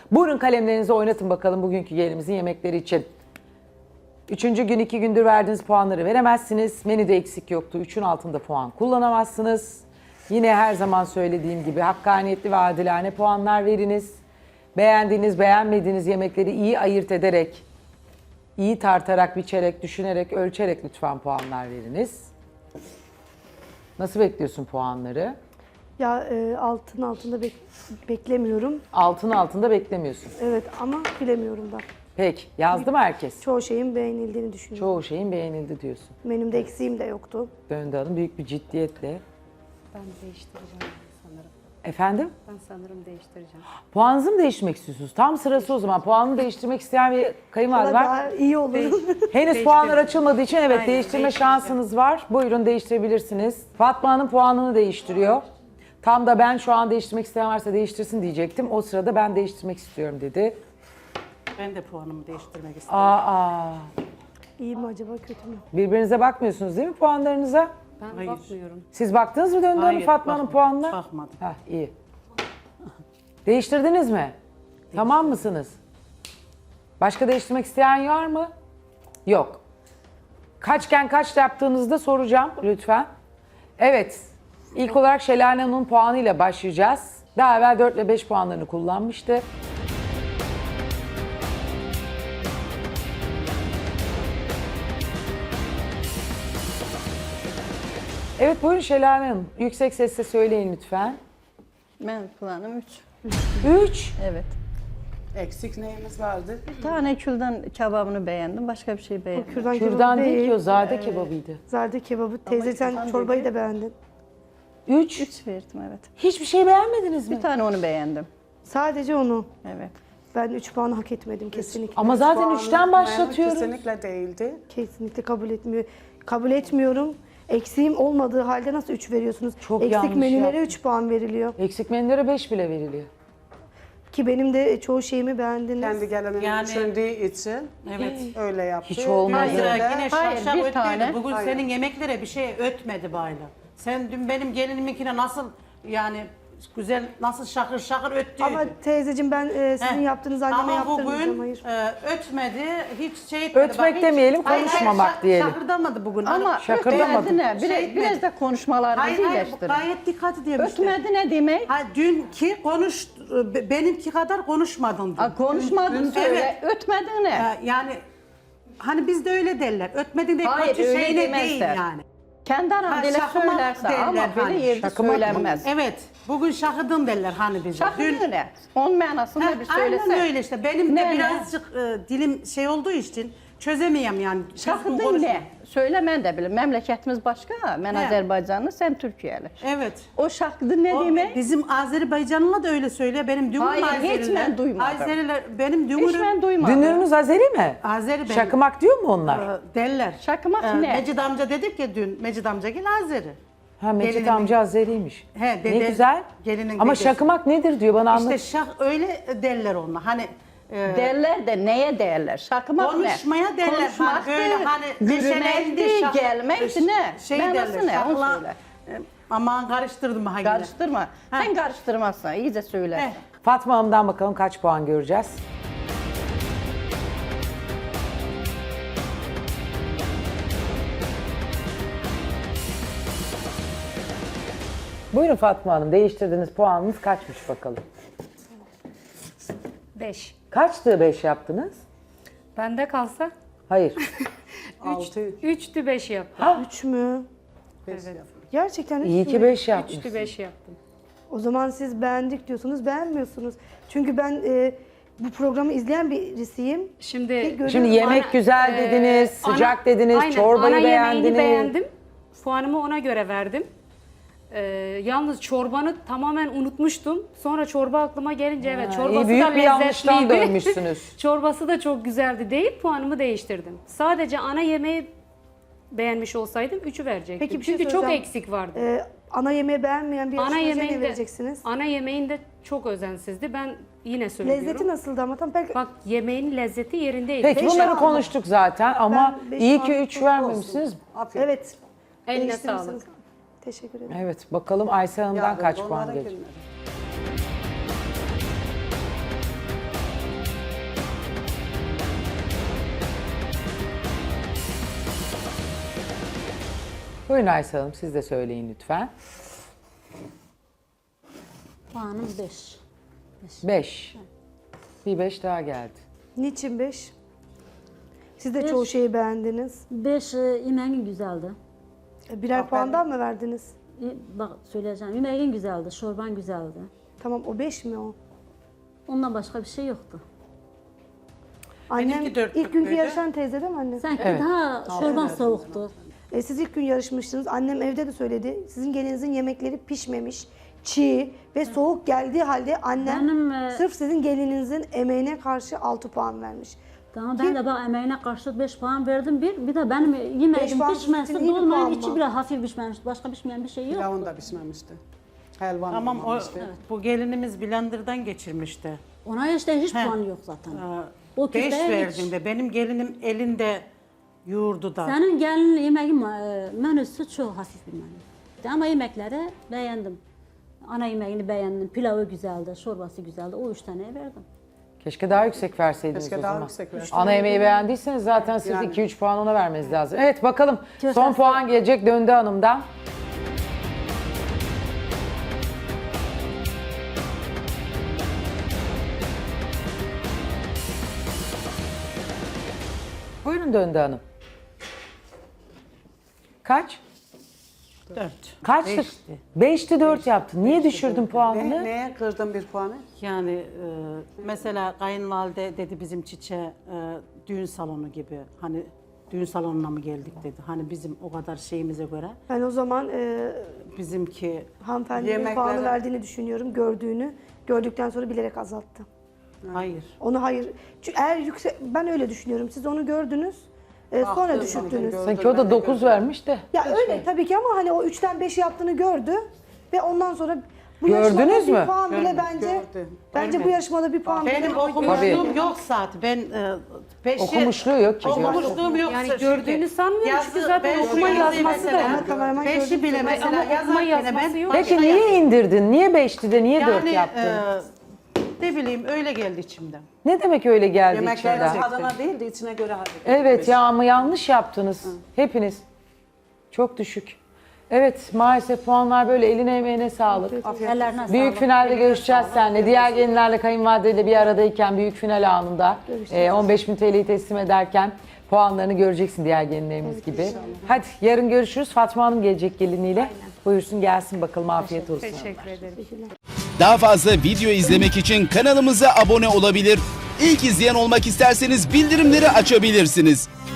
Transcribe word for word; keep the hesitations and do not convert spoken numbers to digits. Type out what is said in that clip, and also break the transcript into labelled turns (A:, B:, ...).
A: Buyurun kalemlerinizi oynatın bakalım bugünkü gelinimizin yemekleri için. Üçüncü gün iki gündür verdiğiniz puanları veremezsiniz. Menüde eksik yoktu. Üçün altında puan kullanamazsınız. Yine her zaman söylediğim gibi hakkaniyetli ve adilane puanlar veriniz. Beğendiğiniz, beğenmediğiniz yemekleri iyi ayırt ederek, iyi tartarak, biçerek, düşünerek, ölçerek lütfen puanlar veriniz. Nasıl bekliyorsun puanları?
B: Ya e, altın altında bek- beklemiyorum.
A: Altın altında beklemiyorsun.
B: Evet ama bilemiyorum da.
A: Peki, yazdı mı herkes?
B: Çoğu şeyin beğenildiğini düşünüyorum.
A: Çoğu şeyin beğenildi diyorsun.
B: Menümde eksiğim de yoktu.
A: Döndü Hanım büyük bir ciddiyetle.
C: Ben değiştireceğim sanırım.
A: Efendim?
C: Ben sanırım değiştireceğim.
A: Puanınızı mı değiştirmek istiyorsunuz? Tam sırası o zaman. Puanını değiştirmek isteyen bir kayınvalide
B: Valla
A: var.
B: daha iyi olur.
A: Henüz puanlar açılmadığı için evet
C: Aynen,
A: değiştirme
C: değiştireceğim.
A: şansınız var. Buyurun değiştirebilirsiniz. Fatma Hanım puanını değiştiriyor. Tam da ben şu an değiştirmek isteyen varsa değiştirsin diyecektim. O sırada ben değiştirmek istiyorum dedi.
D: Ben de puanımı değiştirmek istiyorum.
A: Aa,
B: İyi mi acaba kötü mü?
A: birbirinize bakmıyorsunuz değil mi puanlarınıza?
C: Ben
D: Hayır.
C: bakmıyorum.
A: Siz baktınız mı Döndü Hanım
D: Hayır,
A: Fatma Hanım
D: bakmadım.
A: puanına?
D: Bakmadım.
A: Heh, iyi. Değiştirdiniz mi? Tamam mısınız? Başka değiştirmek isteyen var mı? Yok. Kaçken kaç yaptığınızda soracağım lütfen. Evet. İlk olarak Şelale Hanım'ın puanıyla başlayacağız. Daha evvel dört ile beş puanlarını kullanmıştı. Evet buyurun Şelale Hanım. Yüksek sesle söyleyin lütfen.
E: Ben puanım üç.
A: üç.
E: Evet.
D: Eksik neyimiz vardı?
E: Bir tane külden kebabını beğendim. Başka bir şey beğenmedim.
B: Kürdan,
A: Kürdan
B: kebabı
A: değil ki o zade kebabıydı.
B: Zade kebabı. Teyze sen
E: kürdan
B: çorbayı
E: dedi.
B: da beğendin.
A: üç.
E: üç verdim evet.
A: Hiçbir şey beğenmediniz mi?
E: Bir tane onu beğendim.
B: Sadece onu.
E: Evet.
B: Ben üç puanı hak etmedim kesinlikle.
A: Ama zaten
D: Puanım
A: üçten başlatıyoruz.
D: Kesinlikle değildi.
B: Kesinlikle kabul etmiyor. Kabul etmiyorum. Eksiğim olmadığı halde nasıl üç veriyorsunuz?
A: Çok
B: Eksik
A: yanlış
B: menülere
A: yaptın.
B: üç puan veriliyor.
A: Eksik menülere beş bile veriliyor.
B: Ki benim de çoğu şeyimi beğendiniz.
D: Kendi gelinim
F: Yani-
D: düşündüğü için
F: Evet.
D: öyle yaptı.
A: Hiç olmaz.
F: Hayır,
D: Yine de-
F: yine
E: Hayır,
F: şakşak
E: bir
F: ötmedi.
E: tane.
F: Bugün
D: Hayır.
F: senin yemeklere bir şey ötmedi bayla. Sen dün benim geliniminkine nasıl yani güzel nasıl şakır şakır öttüydü.
B: Ama teyzeciğim ben e, sizin
F: Heh.
B: yaptığınız anneme
F: Ama
B: yaptırmayacağım.
F: bugün
B: Hayır.
F: e, ötmedi, hiç şey etmedi.
A: Ötmek
F: hiç-
A: demeyelim,
F: Hayır, hayır,
A: konuşmamak
F: şak-
A: diyelim.
F: Şakırdamadı bugün.
E: Ama
F: Hani-
A: Şakırdamadım.
E: ötmedi ne?
F: Şey
E: Biraz,
F: etmedi.
E: biraz da konuşmalarınızı
F: Hayır hayır
E: iyileştirin.
F: gayet dikkat ediyorum
E: Ötmedi ne demek?
F: Ha, dünkü konuş, be- benimki kadar konuşmadın dün.
E: Ha, konuşmadın
F: Dün-
E: söyle. Ötmedin ne?
F: Ya, yani hani bizde öyle derler. Ötmedin de
E: Hayır,
F: kötü
E: öyle
F: şeyine
E: demezler.
F: değil yani.
E: Kendi
F: Ha,
E: aran dile
F: şakımak
E: söylerse
F: derler
E: ama
F: hani.
E: böyle yerde
A: Şakımak mı?
E: söylenmez.
F: Evet. Bugün şakıdın derler hani bize.
E: Şakır ne? Onun manasını
F: Ha,
E: da bir söylese.
F: aynen öyle işte. Benim de
E: Ne, ne?
F: birazcık e, dilim şey olduğu için çözemeyem yani. Düzgün
E: Şakırdın
F: konuşma.
E: ne? Söyle mən də bilim. Memleketimiz başka. Ben
F: He.
E: Azerbaycanlı, sen Türkiye'li.
F: Evet.
E: O şakırdın ne
F: O,
E: demek?
F: bizim Azerbaycanlılar da öyle söylüyor. Benim dünürüm
E: Hayır, hiç
F: Azeriler.
E: ben duymadım.
F: Azeriler benim
E: Hiç
F: dünürüm
E: ben duymadım.
A: Dünürünüz Azeri mi?
F: Azeri benim.
A: Şakımak diyor mu onlar?
F: e, derler.
E: Şakımak
F: E,
E: ne?
F: Mecid amca dedik ya dün. Mecid amca gel Azeri.
A: Ha Mecit
F: Gelinimin-
A: amca Azeriymiş.
F: He,
A: Ne
F: dede-
A: güzel.
F: gelinin
A: Ama
F: dedesi.
A: şakımak nedir diyor bana anlat.
F: İşte şak öyle derler onlar. Hani e,
E: Derler de neye derler? Şakımak ne?
F: konuşmaya derler.
E: Konuşmaktır,
F: Hani böyle hani
E: yürümektir,
F: neşelendi, şak-
E: gelmektir ne?
F: Şey
E: Manası
F: derler.
E: ne? Onu
F: şakla-
E: söyle.
F: E, aman karıştırdım ha yine.
E: Karıştırma.
F: Ha.
E: Sen karıştırmazsan, iyice söylersen.
F: He.
A: Fatma Hanım'dan bakalım kaç puan göreceğiz. Buyurun Fatma Hanım değiştirdiğiniz puanınız kaçmış bakalım.
C: beş.
A: Kaçtı beş yaptınız?
C: Bende kalsa
A: Hayır.
D: Altı.
C: üçtü beş yaptım.
B: Üç mü? Gerçekten üç
A: İyi
B: mü?
A: ki beş yapmış.
C: üçtü beş yaptım.
B: O zaman siz beğendik diyorsunuz, beğenmiyorsunuz. Çünkü ben e, bu programı izleyen birisiyim.
C: Şimdi
B: görüyorum.
A: Şimdi yemek
C: Ana-
A: güzel
C: e,
A: dediniz, sıcak
C: ana-
A: dediniz,
C: aynen,
A: çorbayı
C: ana
A: beğendiniz.
C: yemeğini beğendim. Puanımı ona göre verdim. Ee, yalnız çorbanı tamamen unutmuştum. Sonra çorba aklıma gelince evet
A: Ha,
C: çorbası
A: iyi, büyük
C: da
A: bir yanlıştan
C: lezzetliydi.
A: dönmüşsünüz.
C: Çorbası da çok güzeldi değil, puanımı değiştirdim. Sadece ana yemeği beğenmiş olsaydım üçü verecektim.
B: Peki bir şey
C: Çünkü çok
B: soracağım.
C: eksik vardı.
B: E, ana yemeği beğenmeyen bir
C: ana
B: yarışmacıya ne
C: yemeğinde,
B: vereceksiniz?
C: ana yemeğinde çok özensizdi. Ben yine söylüyorum.
B: Lezzeti nasıldı ama tam belki
C: Bak yemeğin lezzeti yerindeydi.
A: Peki
B: Beş
A: bunları
B: aldım.
A: konuştuk zaten ama
B: Ben beş
A: iyi ki
B: aldım,
A: üç
B: çok
A: vermemişsiniz.
D: Aferin.
B: evet.
C: Eline
B: değiştirirsiniz.
C: sağlık.
B: Teşekkür ederim.
A: Evet bakalım Aysel Hanım'dan
D: Yarın
A: kaç
D: onlara
A: puan gelecek?
D: gülmedim.
A: Buyurun Aysel Hanım siz de söyleyin lütfen.
G: Puanım beş.
A: beş. Bir beş daha geldi.
B: Niçin beş? Siz de
G: Beş.
B: çoğu şeyi beğendiniz.
G: beş e, yemeğin güzeldi.
B: E, Birer puandan mı verdiniz?
G: E, bak söyleyeceğim. Yemeğin güzeldi, çorban güzeldi.
B: Tamam o beş mi o?
G: Ondan başka bir şey yoktu.
B: Annem
F: Benimki dört
B: ilk günkü
F: buçukluydu.
B: yarışan teyze değil mi anne?
G: Sanki
A: Evet.
G: daha çorban soğuktu.
B: E, siz ilk gün yarışmıştınız. Annem evde de söyledi. Sizin gelinizin yemekleri pişmemiş, çiğ ve soğuk geldiği halde annem
G: Benim, e,
B: sırf sizin gelininizin emeğine karşı altı puan vermiş.
G: Tamam ben de bak emeğine karşı beş puan verdim bir. Bir de benim yemeğim
B: puan
G: pişmesi,
B: sizin iyi bir
G: dolmanın
B: puan
G: içi
B: mı?
G: biraz hafif pişmemiş. Başka pişmeyen bir şey yok.
D: Pilavın da pişmemişti. Helvan
F: Tamam o,
D: olmamıştı.
F: bu gelinimiz blenderdan geçirmişti.
G: Ona işte hiç
F: He.
G: puan yok zaten.
F: Ee,
G: O
F: Beş
G: küfteye
F: verdim
G: hiç.
F: de benim gelinim elinde yoğurdu da.
G: Senin gelinin yemeği e, menüsü çok hafif bir menü. Ama yemekleri beğendim. Ana yemeğini beğendim. Pilavı güzeldi, çorbası güzeldi. O üç tane verdim.
A: Keşke daha yüksek verseydiniz
D: Keşke
A: o
D: daha
A: zaman.
D: yüksek verseydiniz.
A: Ana yemeği beğendiyseniz zaten siz
D: Yani.
A: iki üç puan ona vermeniz lazım. Evet bakalım son
G: Köftesi-
A: puan gelecek Döndü Hanım'dan. Buyurun Döndü Hanım. Kaç?
F: Dört.
A: Kaçtı?
F: Beşti.
A: Beşti dört yaptın. Niye düşürdün
D: Ne,
A: puanını?
D: neye kırdın bir puanı?
F: Yani e, mesela kayınvalide dedi bizim çiçe e, düğün salonu gibi. Hani düğün salonuna mı geldik dedi. Hani bizim o kadar şeyimize göre
B: Ben o zaman e,
F: bizimki
B: hanımefendinin
D: Yemekleri-
B: puanı verdiğini düşünüyorum. Gördüğünü. Gördükten sonra bilerek azalttı.
F: hayır.
B: Onu hayır. Çünkü eğer yüksek, ben öyle düşünüyorum. Siz onu gördünüz. e, sonra
D: Baktım,
B: düşürttünüz.
D: gördüm,
A: Sanki o
D: ben
A: da
D: de
A: dokuz
D: gördüm.
A: vermiş de.
B: Ya öyle tabii ki ama hani o üçten beş yaptığını gördü ve ondan sonra bu
A: Gördünüz
B: yarışmada
A: mü?
B: bir puan bile
F: Gördüm,
B: bence
D: gördüm.
B: bence bu yarışmada bir puan
F: Benim
B: bile
F: okumuşluğum yok zaten. Ben e, beşi,
A: Okumuşluğu yok ki.
F: Okumuşluğum yok.
C: Yani
F: Çünkü
C: gördüğünü sanmıyorum çünkü zaten
F: ben
C: okuma
F: yazı
C: yazması da
F: mesela,
C: yok.
B: Kameraman
F: Beşi
B: gördüm.
F: bile mesela
C: Ama okuma
F: yazarken
C: yazması
F: ben
C: yok.
A: Peki
F: başka
A: niye
F: yazdım.
A: indirdin? Niye beşti de niye dört
F: Yani
A: yaptın?
F: e, ne bileyim öyle geldi içimden.
A: Ne demek öyle geldi
D: Yemekler
A: içinden?
D: tadına değil de içine göre hareket
A: Evet
D: etmiş.
A: ya ama yanlış yaptınız. Hepiniz. Çok düşük. Evet maalesef puanlar böyle eline emeğine sağlık.
G: Ellerine
A: Büyük
G: sağlık.
A: finalde görüşeceğiz seninle. Diğer gelinlerle kayınvalideyle bir aradayken büyük final anında e, on beş bin T L'yi teslim ederken puanlarını göreceksin diğer gelinlerimiz gibi. Hadi yarın görüşürüz. Fatma Hanım gelecek geliniyle. Buyursun gelsin bakalım afiyet olsun.
C: Teşekkür ederim.
H: Daha fazla video izlemek için kanalımıza abone olabilir. İlk izleyen olmak isterseniz bildirimleri açabilirsiniz.